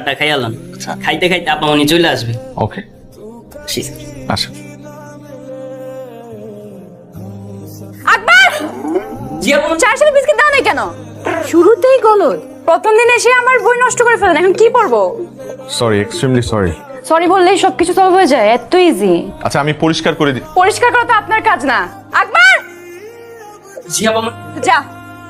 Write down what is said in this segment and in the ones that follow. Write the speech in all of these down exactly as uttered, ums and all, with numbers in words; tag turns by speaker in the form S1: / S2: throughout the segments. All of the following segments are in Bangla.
S1: খাবারটা খাইয়ালাম, খাইতে খাইতে আপা উনি চলে আসবে।
S2: ওকে আসেন।
S3: আকবর,
S1: জি আপা।
S3: চার সালে বিস্কিট দাও না কেন? শুরুতেই গলদ। প্রথম দিন এসে আমার বই নষ্ট করে ফেলেন, এখন কি পড়বো?
S2: Sorry, extremely sorry.
S3: সরি বললেই সবকিছু সলভ হয়ে যায়, এত ইজি।
S2: আচ্ছা আমি পরিষ্কার করে দিই।
S3: পরিষ্কার করা তো আপনার কাজ না। আকবর,
S1: জি আপা।
S3: যা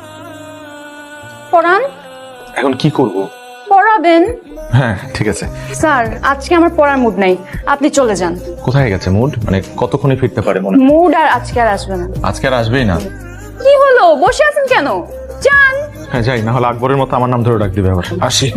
S3: পড়ান।
S2: এখন কি করব?
S3: পড়াবেন?
S2: হ্যাঁ ঠিক আছে।
S3: স্যার আজকে আমার পড়ার মুড নাই, আপনি চলে যান।
S2: কোথায় গেছে মুড? মানে কতক্ষণে ফিরতে পারে মনে হয়?
S3: মুড আর আজকে আর আসবে না।
S2: আজকে আর আসবেই না?
S3: কি হলো, বসে আছেন কেন? যান।
S2: হ্যাঁ যাই, না হলে আকবরের মতো আমার নাম ধরে ডাক দিবে আবার। আসি।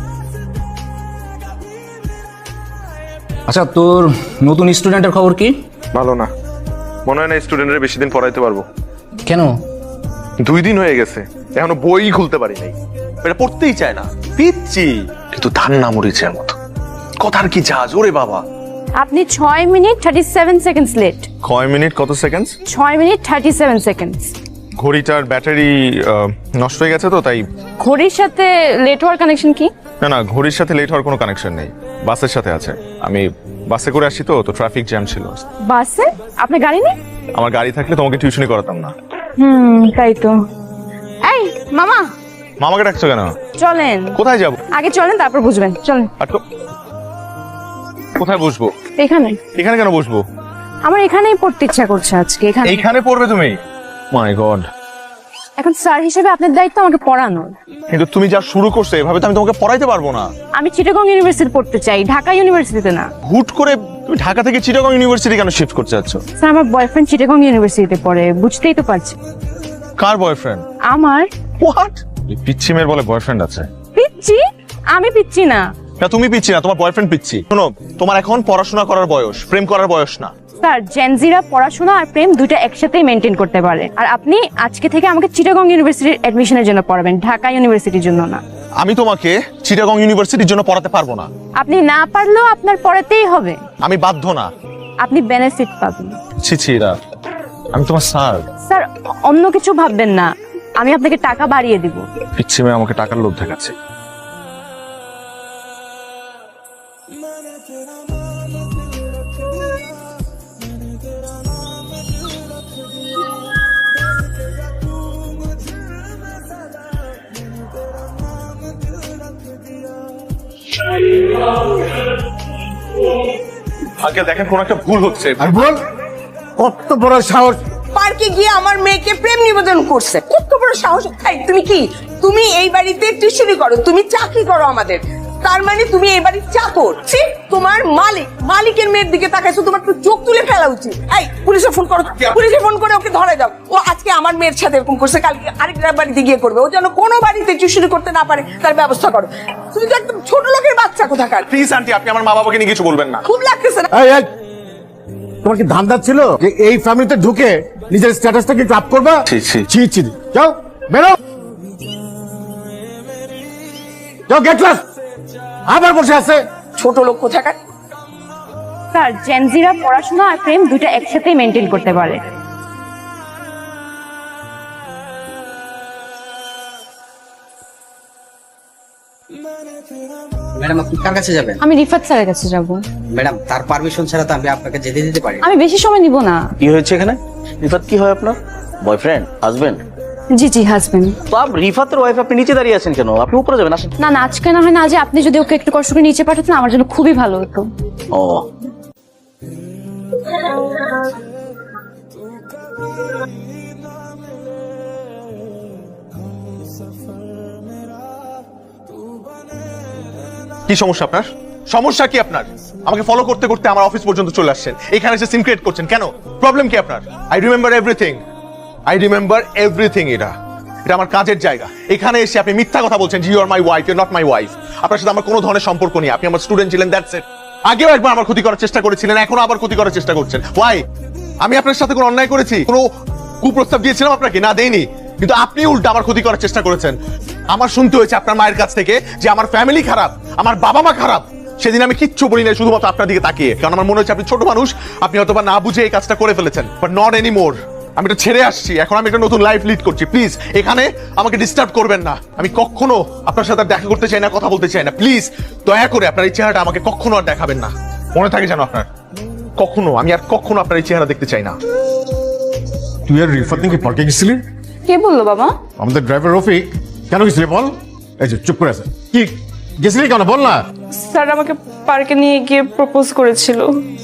S4: আচ্ছা, তোর নতুন স্টুডেন্টের খবর কি?
S2: ভালো না, মনে হয় না স্টুডেন্টের বেশি দিন পড়াইতে পারবো।
S4: কেন?
S2: দুই দিন হয়ে গেছে, এখনো বই খুলতে পারি নাই। এটা পড়তেই চায় না, পিচ্ছি কিন্তু ধান না মরিচের মতো। কথার কি জাজ ওরে বাবা।
S3: আপনি ছয় minute thirty seven seconds late.
S2: কয় মিনিট কত সেকেন্ড?
S3: ছয় মিনিট থার্টি সেভেন সেকেন্ডস।
S2: ঘড়িটার ব্যাটারি নষ্ট হয়ে গেছে তো তাই।
S3: ঘড়ির সাথে লেট হওয়ার কানেকশন কি?
S2: না না, ঘড়ির সাথে লেট হওয়ার কোনো কানেকশন নেই, বাসের সাথে আছে। আমি বাসে করে আসি তো তো ট্রাফিক জ্যাম ছিল।
S3: বাসে? আপনার গাড়ি নেই?
S2: আমার গাড়ি থাকলে তোমাকে টিউশনি করাতাম না।
S3: হুম তাই তো। এই মামা,
S2: মামাকে ডাকছো কেন?
S3: চলেন।
S2: কোথায় যাব?
S3: আগে চলেন তারপর বুঝবেন, চলেন।
S2: আর তো কোথায় বসবো?
S3: এখানে।
S2: এখানে কেন বসবো?
S3: আমার এখানেই পড়তে ইচ্ছা করছে আজকে, এখানে।
S2: এইখানে পড়বে তুমি? মাই গড।
S3: এখন স্যার হিসেবে আপনার দায়িত্ব আমাকে পড়ানোর।
S2: কিন্তু তুমি যা শুরু করছো এভাবে তো আমি তোমাকে পড়াইতে পারবো না।
S3: আমি চিটাগং ইউনিভার্সিটি পড়তে চাই, ঢাকা ইউনিভার্সিটিতে না।
S2: হুট করে তুমি ঢাকা থেকে চিটাগং ইউনিভার্সিটি কেন শিফট করতে যাচ্ছ?
S3: স্যার আমার বয়ফ্রেন্ড চিটাগং ইউনিভার্সিটিতে পড়ে, বুঝতেই তো পারছি।
S2: কার বয়ফ্রেন্ড?
S3: আমার।
S2: হোয়াট? পিচ্ছি মেয়ের বলে বয়ফ্রেন্ড আছে?
S3: পিচ্ছি? আমি পিচ্ছি না।
S2: না তুমি পিচ্ছি না, তোমার বয়ফ্রেন্ড পিচ্ছি। শোনো, তোমার এখন পড়াশোনা করার বয়স, প্রেম করার বয়স না।
S3: স্যার জেনজিরা পড়াশোনা আর প্রেম দুইটা একসাথেই মেনটেন করতে পারে। আর আপনি আজকে থেকে আমাকে চিটাগং ইউনিভার্সিটির অ্যাডমিশনের জন্য পড়াবেন, ঢাকা ইউনিভার্সিটির জন্য না।
S2: আমি তোমাকে চিটাগং ইউনিভার্সিটির জন্য পড়াতে পারবো না।
S3: আপনি না পারলেও আপনার পড়াতেই হবে।
S2: আমি বাধ্য না।
S3: আপনি বেনিফিট পাবেন।
S2: ছি ছি রা, আমি তোমার স্যার।
S3: স্যার অন্য কিছু ভাববেন না, আমি আপনাকে টাকা বাড়িয়ে দিব।
S2: পিচ্ছি মেয়ে আমাকে টাকার লোভ দেখাচ্ছে। আগে দেখেন কোন একটা ভুল হচ্ছে।
S5: আর বল, কত বড় সাহস!
S6: পার্কে গিয়ে আমার মেয়েকে প্রেম নিবেদন করছে, কত বড় সাহস! এই তুমি কি, তুমি এই বাড়িতে টিউশনি করো, তুমি চাকরি করো আমাদের, তার মানে তুমি এই বাড়ির চাকর? ছি, তোমার মালিক, মালিকের মেয়ের দিকে তাকাইছো, তোমার তো চোখ তুলে ফেলা উচিত। এই পুলিশে ফোন করো, পুলিশে ফোন করে ওকে ধরে দাও। ও আজকে আমার মেয়ের সাথে এরকম করছে, কালকে আরেকটা বাড়িতে গিয়ে করবে। ও যেন কোনো বাড়িতে টিউশনি করতে না পারে তার ব্যবস্থা করো। তুমি তো একদম ছোট লোকের বাচ্চা কোথাকার।
S2: প্লিজ আন্টি, আপনি আমার মা বাবাকে নিয়ে কিছু বলবেন না।
S6: খুব লাগতেছে না?
S5: এই, এই, তোমার কি ধান্দা ছিল যে এই ফ্যামিলিতে ঢুকে নিজের স্ট্যাটাসটাকে একটু আপ করবা?
S2: ছি, ছি।
S5: ছি ছি, যাও বেরো, যাও গেট ক্লাস। আবার বসে আছে
S6: ছোট লোক কোথাকার।
S3: স্যার জেনজিরা পড়াশোনা আর প্রেম দুইটা একসাথেই মেনটেন করতে পারে।
S7: ম্যাডাম আপনি কার কাছে যাবেন?
S3: আমি রিফাত স্যারের কাছে যাব।
S7: ম্যাডাম তার পারমিশন ছাড়া তো আমি আপনাকে যেতে দিতে পারি না।
S3: আমি বেশি সময় নিব না।
S8: কি হয়েছে এখানে? রিফাত কি হয় আপনার? বয়ফ্রেন্ড? হাজবেন্ড?
S3: জি জি হাজবেন্ড।
S8: তো আপনি রিফাতের ওয়াইফ, আপনি নিচে দাঁড়িয়ে আছেন কেন? আপনি উপরে যাবেন, আসেন।
S3: না না আজকে না হয় না, আজ আপনি যদি ওকে একটু কষ্ট করে নিচে পাঠাতেন আমার জন্য খুবই ভালো হতো।
S8: ও
S2: কি সমস্যা আপনার? সমস্যা কি আপনার? আমাকে ফলো করতে করতে আমার অফিস পর্যন্ত চলে আসছেন, এখানে এসে সিন ক্রিয়েট করছেন কেন? প্রবলেম কি আপনার? I remember everything, I remember everything. এটা এটা আমার কাজের জায়গা। এখানে এসে আপনি মিথ্যা কথা বলছেন, you are my wife, you not my wife. আপনার সাথে আমার কোনো ধরনের সম্পর্ক নেই, আপনি আমার স্টুডেন্ট ছিলেন, দ্যাটস ইট। আগেও একবার আমার ক্ষতি করার চেষ্টা করেছিলেন, এখনো আবার ক্ষতি করার চেষ্টা করছেন। ওয়াই? আমি আপনার সাথে কোনো অন্যায় করেছি? কোনো কুপ্রস্তাব দিয়েছিলাম আপনাকে? না দেইনি, কিন্তু আপনি উল্টা আমার ক্ষতি করার চেষ্টা করেছেন। আমার শুনতে হয়েছে আপনার মায়ের কাছ থেকে যে আমার ফ্যামিলি খারাপ, আমার বাবা মা খারাপ। সেদিন আমি কিচ্ছু বলি না, শুধুমাত্র আপনার দিকে তাকিয়ে, কারণ আমার মনে হচ্ছে আপনি ছোট মানুষ, আপনি হয়তো বা না বুঝে এই কাজটা করে ফেলেছেন, বাট নট এনি মোর। আমি এটা ছেড়ে আসছি, এখন আমি একটা নতুন লাইফ লিড করছি। প্লিজ এখানে আমাকে ডিস্টার্ব করবেন না। আমি কখনো আপনার সাথে আর দেখা করতে চাই না, কথা বলতে চাই না। প্লিজ দয়া করে আপনার এই চেহারাটা আমাকে কখনো আর দেখাবেন না। মনে থাকে যেন আপনার, কখনো আমি আর কখনো আপনার এই চেহারা দেখতে চাই না।
S5: তুই আর রিফাত নাকি পার্কে গেছিলি?
S3: কে বললো বাবা?
S5: আমাদের ড্রাইভার রফিক। কেন গেছিলি বল? এই যে চুপ করে আছে, কি গেছিলি কেন বল না?
S3: স্যার আমাকে পার্কে নিয়ে গিয়ে প্রপোজ করেছিল।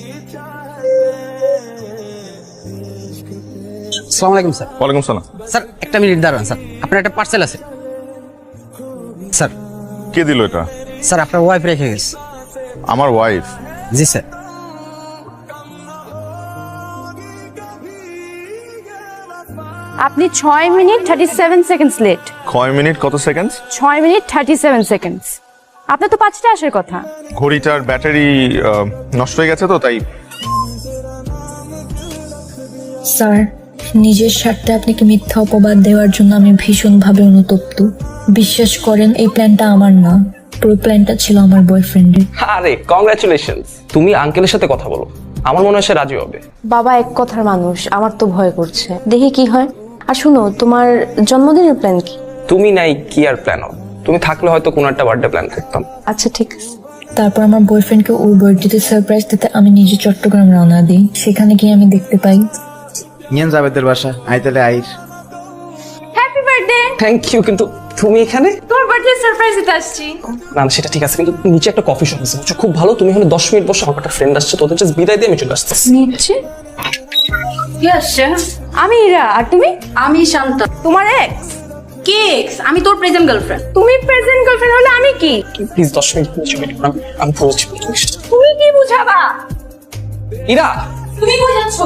S7: আসসালামু আলাইকুম স্যার।
S2: ওয়ালাইকুম সালাম।
S7: স্যার একটা মিনিট দাঁড়ান স্যার, আপনার একটা পার্সেল আছে। স্যার
S2: কে দিল এটা?
S7: স্যার আপনার ওয়াইফ রেখে গেছে।
S2: আমার ওয়াইফ?
S7: জি স্যার।
S3: আপনি ছয় minute thirty seven seconds late.
S2: কয় মিনিট কত সেকেন্ড?
S3: ছয় মিনিট থার্টি সেভেন সেকেন্ডস। আপনার তো পাঁচটা আসার কথা।
S2: ঘড়িটার ব্যাটারি নষ্ট হয়ে গেছে তো তাই।
S9: স্যার, নিজের স্বার্থে আপনাকে মিথ্যা অপবাদ দেওয়ার জন্য আমি ভীষণভাবে অনুতপ্ত। বিশ্বাস করেন এই প্ল্যানটা আমার না, পুরো প্ল্যানটা ছিল আমার বয়ফ্রেন্ডের।
S10: আরে কংগ্রাচুলেশনস, তুমি আঙ্কেলের সাথে কথা বলো, আমার মনে হয় সে রাজি হবে।
S11: বাবা এক কথার মানুষ, আমার তো ভয় করছে, দেখি কি হয়। আর শুনো, তোমার জন্মদিনের প্ল্যান কি?
S10: তুমি নাই কি আর প্ল্যান হবে? তুমি থাকলে হয়তো কোনো একটা বার্থডে প্ল্যান করতাম।
S11: আচ্ছা ঠিক আছে।
S9: তারপর আমার বয়ফ্রেন্ডকে ওর বার্থডেতে সারপ্রাইজ দিতে আমি নিজে চট্টগ্রাম রওনা দিই। সেখানে গিয়ে আমি দেখতে পাই
S8: নিয়েন যাবেদের বাসা আইতালে আইর।
S3: Happy birthday.
S10: থ্যাংক ইউ, কিন্তু তুমি এখানে?
S3: তোমার বার্থডে সারপ্রাইজ দিতে আসছি।
S10: না না, সেটা ঠিক আছে, কিন্তু নিচে একটা কফি শপ আছে বুঝছো, খুব ভালো। তুমি হলে দশ মিনিট বসে, আমার একটা ফ্রেন্ড আসছে, তোদের জাস্ট বিদায় দিয়ে আমি চলে আসতেছি।
S3: নিচ্ছে কি আসছে? আমি ইরা। আর তুমি?
S11: আমি শান্ত।
S3: তোমার এক্স?
S11: কে এক্স? আমি তোর প্রেজেন্ট গার্লফ্রেন্ড।
S3: তুমি প্রেজেন্ট গার্লফ্রেন্ড হলে আমি কি?
S10: প্লিজ দশ মিনিট নিচে ওয়েট করো, আমি- আমি পৌঁছি।
S3: তুমি কি বুঝাবা?
S10: ইরা,
S11: তুমি বোঝাচ্ছ?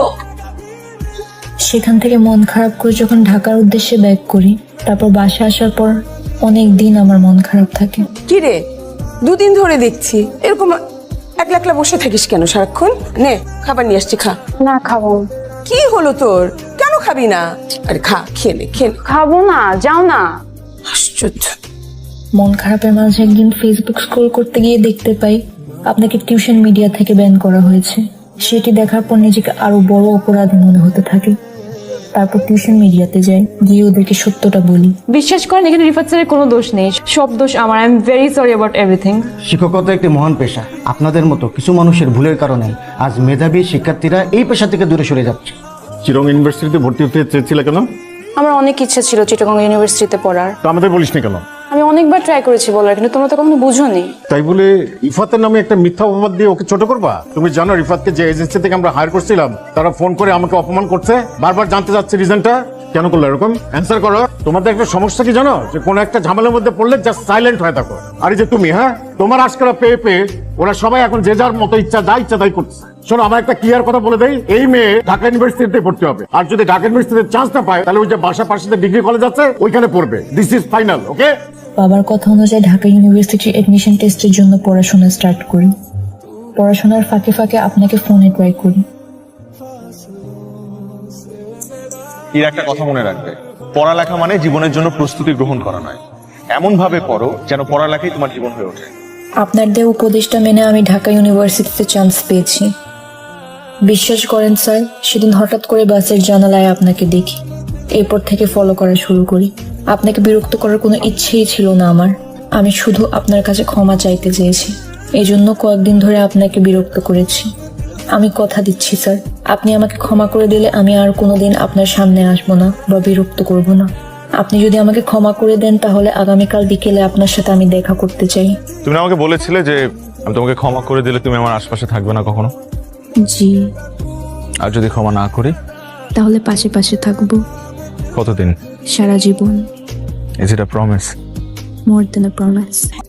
S9: সেখান থেকে মন খারাপ করে যখন ঢাকার উদ্দেশ্যে ব্যাক করি, তারপর বাসা আসার পর অনেক দিন আমার মন খারাপ থাকে।
S6: কি রে, দুদিন ধরে দেখছি এরকম একলা একলা বসে থাকিস কেন সারাক্ষণ? নে খাবার নিয়ে আসছি, খা।
S3: না খাবো।
S6: কি হলো তোর, কেন খাবি না? আরে খা, খেয়ে নে, খেয়ে নে।
S3: খাবো না, যাও না।
S6: আশ্চর্য।
S9: মন খারাপের মাঝে একদিন ফেসবুক স্ক্রল করতে গিয়ে দেখতে পাই আপনাকে টিউশন মিডিয়া থেকে ব্যান করা হয়েছে। সেটি দেখার পর নিজেকে আরো বড় অপরাধী মনে হতে থাকে। তারপর টিউশন মিডিয়াতে যাই, গিয়ে ওদেরকে সত্যটা বলি।
S3: বিশ্বাস করেন এখানে রিফাত স্যারের কোনো দোষ নেই, সব দোষ আমার। I am very sorry about everything.
S8: শিক্ষকতা একটি মহান পেশা। আপনাদের মতো কিছু মানুষের ভুলের কারণে আজ মেধাবী শিক্ষার্থীরা এই পেশা থেকে দূরে সরে যাচ্ছে।
S5: চিরং ইউনিভার্সিটিতে ভর্তি হতে চেয়েছিলে কেন?
S3: আমার অনেক ইচ্ছা ছিল চিটাগং ইউনিভার্সিটিতে পড়ার।
S5: তো আমাদের বলিসনি কেন?
S3: আমি অনেকবার ট্রাই করেছি বলার, কিন্তু তোমরা তো কখনো বুঝোনি।
S5: তাই বলে রিফাতের নামে একটা মিথ্যা অপবাদ দিয়ে ওকে ছোট করবা? তুমি জানো রিফাতকে যে এজেন্সি থেকে আমরা হায়ার করছিলাম তারা ফোন করে আমাকে অপমান করছে, বারবার জানতে যাচ্ছে রিজনটা। কেন করলো এরকম? অ্যান্সার করো। তোমাদের একটা সমস্যা কি জানো, যে কোনো একটা ঝামেলার মধ্যে পড়লে জাস্ট সাইলেন্ট হয়ে থাকো। আর এই যে তুমি, হ্যাঁ তোমার আজকাল পেয়ে পেয়ে ওরা সবাই এখন যে যার মতো ইচ্ছা যা ইচ্ছা তাই করছে। শোনো, আমার একটা ক্লিয়ার কথা বলে দেই, এই মেয়ে ঢাকা ইউনিভার্সিটিতে পড়তে হবে, আর যদি ঢাকা ইউনিভার্সিটিতে চান্স না পায় তাহলে ওই যে বাসা পাশে ডিগ্রি কলেজ আছে ওইখানে পড়বে। This is final, okay?
S9: বাবার কথা অনুযায়ী ঢাকা ইউনিভার্সিটির এডমিশন টেস্টের জন্য পড়াশোনা স্টার্ট করি। পড়াশোনার ফাঁকে ফাঁকে আপনাকে ফোনে ট্রাই করি।
S2: এর একটা কথা মনে রাখবে, পড়ালেখা মানে জীবনের জন্য প্রস্তুতি গ্রহণ করা নয়। এমন ভাবে পড়ো যেন পড়ালেখাই তোমার জীবন হয়ে ওঠে।
S9: আপনার দেওয়া উপদেশটা মেনে আমি ঢাকা ইউনিভার্সিটিতে চান্স পেয়েছি। বিশ্বাস করেন স্যার, সেদিন হঠাৎ করে বাসের জানালায় আপনাকে দেখি। এরপর থেকে ফলো করা শুরু করি। আপনাকে বিরক্ত করার কোনো ইচ্ছেই ছিল না আমার। আমি শুধু আপনার কাছে ক্ষমা চাইতে চেয়েছি। এই জন্য কয়েকদিন ধরে আপনাকে বিরক্ত করেছি। আমি কথা দিচ্ছি স্যার, আপনি আমাকে ক্ষমা করে দিলে আমি আর কোনোদিন আপনার সামনে আসবো না বা বিরক্ত করব না। আপনি যদি আমাকে ক্ষমা করে দেন তাহলে আগামীকাল বিকেলে আপনার সাথে আমি দেখা করতে চাই।
S2: তুমি আমাকে বলেছিলে যে আমি তোমাকে ক্ষমা করে দিলে তুমি আমার আশপাশে থাকবে না কখনো।
S9: জি।
S2: আর যদি ক্ষমা না করি?
S9: তাহলে পাশে পাশে থাকবো
S2: কতদিন?
S9: সারা জীবন।
S2: Is it a promise?
S9: More than a promise.